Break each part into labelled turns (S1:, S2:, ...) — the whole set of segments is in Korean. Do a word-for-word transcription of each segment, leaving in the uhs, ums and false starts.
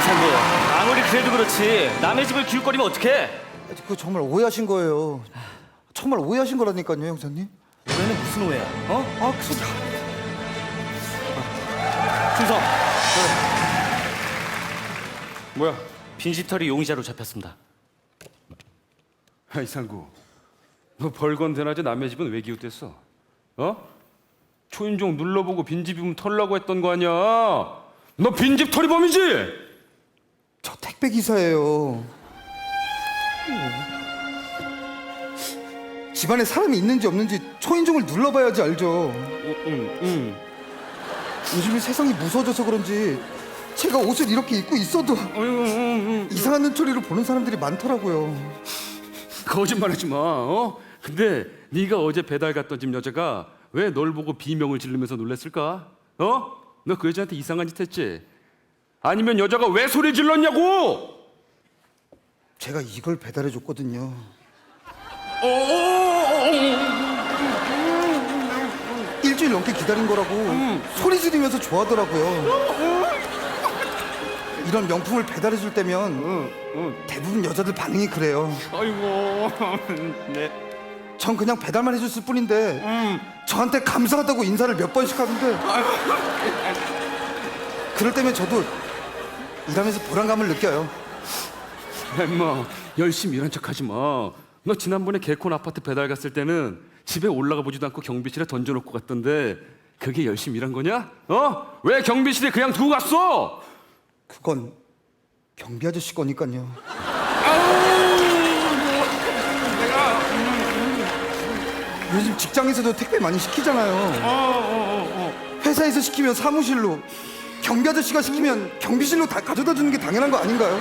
S1: 상구, 아무리 그래도 그렇지 남의 집을 기웃거리면 어떡해?
S2: 그 정말 오해하신 거예요. 정말 오해하신 거라니까요, 형사님.
S1: 오해는 무슨 오해야? 어?
S2: 아, 그 소리.
S1: 충성. 뭐야? 빈집털이 용의자로 잡혔습니다.
S3: 아이 상구, 너 벌건대낮에 남의 집은 왜 기웃댔어? 어? 초인종 눌러보고 빈집이면 털라고 했던 거 아니야? 너 빈집 털이범이지?
S2: 저 택배 기사예요. 집안에 사람이 있는지 없는지 초인종을 눌러봐야지 알죠.
S1: 응, 응.
S2: 요즘에 세상이 무서워져서 그런지 제가 옷을 이렇게 입고 있어도 이상한 눈초리로 보는 사람들이 많더라고요.
S3: 거짓말하지 마. 어? 근데 네가 어제 배달 갔던 집 여자가 왜 널 보고 비명을 지르면서 놀랬을까? 어? 너 그 여자한테 이상한 짓 했지? 아니면 여자가 왜 소리 질렀냐고?
S2: 제가 이걸 배달해 줬거든요. 일주일 넘게 기다린 거라고 소리 지르면서 좋아하더라고요. 이런 명품을 배달해 줄 때면 대부분 여자들 반응이 그래요.
S3: 아이고, 네.
S2: 전 그냥 배달만 해줬을 뿐인데 저한테 감사하다고 인사를 몇 번씩 하는데 그럴 때면 저도 일하면서 보람감을 느껴요.
S3: 엠마, 열심히 일한 척하지 마. 너 지난번에 개콘 아파트 배달 갔을 때는 집에 올라가 보지도 않고 경비실에 던져놓고 갔던데 그게 열심히 일한 거냐? 어? 왜 경비실에 그냥 두고 갔어?
S2: 그건 경비 아저씨 거니까요. 요즘 직장에서도 택배 많이 시키잖아요. 회사에서 시키면 사무실로, 경비 아저씨가 시키면 경비실로 다 가져다 주는 게 당연한 거 아닌가요?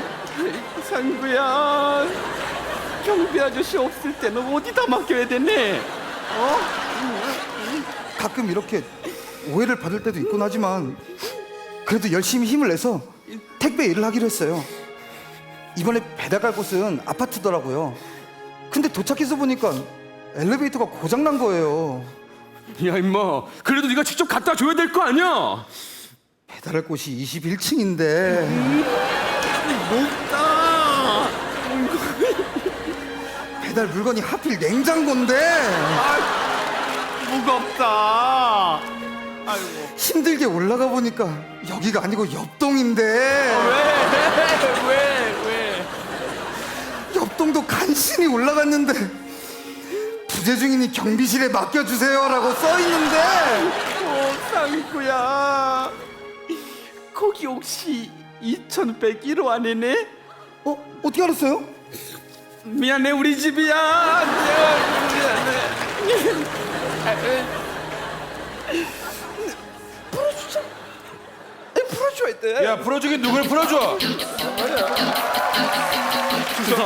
S4: 상구야, 경비 아저씨 없을 때는 어디다 맡겨야 되네? 어?
S2: 가끔 이렇게 오해를 받을 때도 있곤 하지만 그래도 열심히 힘을 내서 택배 일을 하기로 했어요. 이번에 배달 갈 곳은 아파트더라고요. 근데 도착해서 보니까 엘리베이터가 고장난 거예요.
S3: 야 임마, 그래도 네가 직접 갖다 줘야 될 거 아니야?
S2: 배달할 곳이 이십일 층인데
S4: 높다.
S2: 배달 물건이 하필 냉장고인데
S4: 무겁다. 아이고.
S2: 힘들게 올라가 보니까 여기가 아니고 옆동인데
S4: 왜? 왜? 왜?
S2: 옆동도 간신히 올라갔는데 부재 중이니 경비실에 맡겨주세요라고 써있는데
S4: 어, 상구야. 거기 혹시 이천백일 호 아니네?
S2: 어? 어떻게 알았어요?
S4: 미안해, 우리 집이야. 미안해. 풀어주자. 풀어줘야 돼.
S5: 야, 풀어주긴 누굴 풀어줘?
S1: 충성.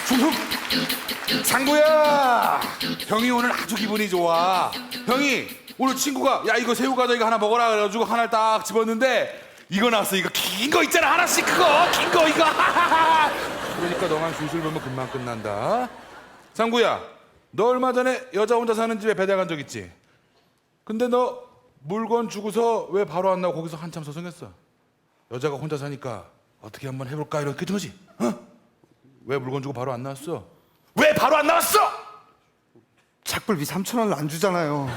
S5: 상구야, 형이 오늘 아주 기분이 좋아. 형이 오늘 친구가 야 이거 새우 과자 이거 하나 먹어라 그래가지고 하나를 딱 집었는데 이거 나왔어. 이거 긴 거 있잖아, 하나씩 그거 긴 거 이거. 그러니까 너만 술술 보면 금방 끝난다. 상구야, 너 얼마 전에 여자 혼자 사는 집에 배달 간 적 있지? 근데 너 물건 주고서 왜 바로 안 나고 거기서 한참 서성했어? 여자가 혼자 사니까 어떻게 한번 해볼까 이렇게 된 거지? 어? 왜 물건 주고 바로 안 나왔어? 왜 바로 안 나왔어?
S2: 작불비 삼천 원을 안 주잖아요.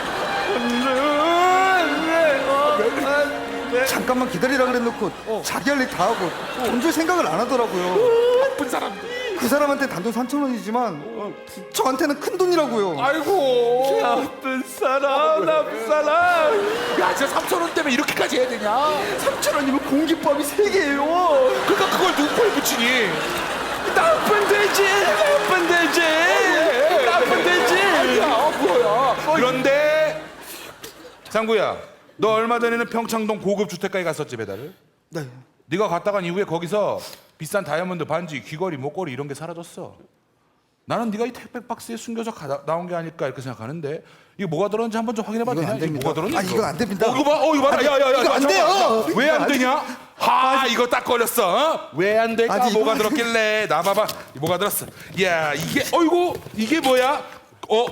S2: 잠깐만 기다리라 그래놓고 자기 할 일 다 하고 돈 줄 생각을 안 하더라고요.
S5: 나쁜 사람들.
S2: 그 사람한테 단돈 삼천 원이지만 저한테는 큰 돈이라고요.
S5: 아이고.
S4: 나쁜 사람, 나쁜 사람.
S5: 야, 진짜 삼천 원 때문에 이렇게까지 해야 되냐?
S4: 삼천 원이면 공깃밥이 세 개예요.
S5: 그러니까 그걸 누구 코에 붙이니?
S4: 나쁜 돼지, 나쁜 돼지, 나쁜 돼지.
S5: 아니야, 뭐야? 그런데 상구야, 너 얼마 전에는 평창동 고급 주택가에 갔었지, 배달을?
S2: 네.
S5: 네가 갔다 간 이후에 거기서 비싼 다이아몬드 반지, 귀걸이, 목걸이 이런 게 사라졌어. 나는 네가 이 택배 박스에 숨겨서 가, 나온 게 아닐까 이렇게 생각하는데 이게 뭐가 들었는지 한번 좀 확인해봐도
S2: 이건
S5: 되냐?
S2: 안
S5: 이게
S2: 됩니다.
S5: 뭐가 들었니?
S2: 아, 이건 안 됩니다.
S5: 어, 이거 봐, 어, 이거 봐.
S2: 아니,
S5: 야, 야, 야,
S2: 이거 안 돼요.
S5: 왜 안
S2: 이거 안
S5: 되냐? 하, 이거 딱 걸렸어. 어? 왜 안 될까?
S2: 아니,
S5: 뭐가
S2: 이거-
S5: 들었길래? 나 봐봐. 뭐가 들었어? 야, 이게, 어이구, 이게 뭐야? 어?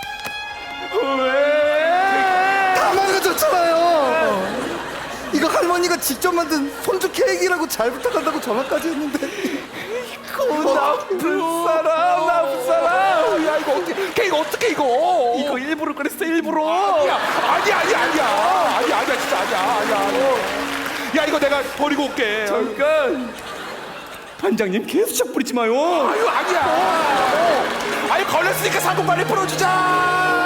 S2: 다 망가졌잖아요. 이거 할머니 할머니가 직접 만든 손주 케이크라고 잘 부탁한다고 전화까지 했는데
S4: 그 나쁜 사람, 나쁜 사람. 야 이거 어떻게? 케이크 어떻게 이거? 이거 일부러 그랬어 일부러.
S5: 아니야 아니야 아니야 아니야 아니야 아니야 진짜 아니야 아니야. 야 이거 내가 버리고 올게.
S4: 잠깐. 반장님 개수작 부리지 마요.
S5: 아유 아니야. 아유 걸렸으니까 사고 빨리 풀어주자.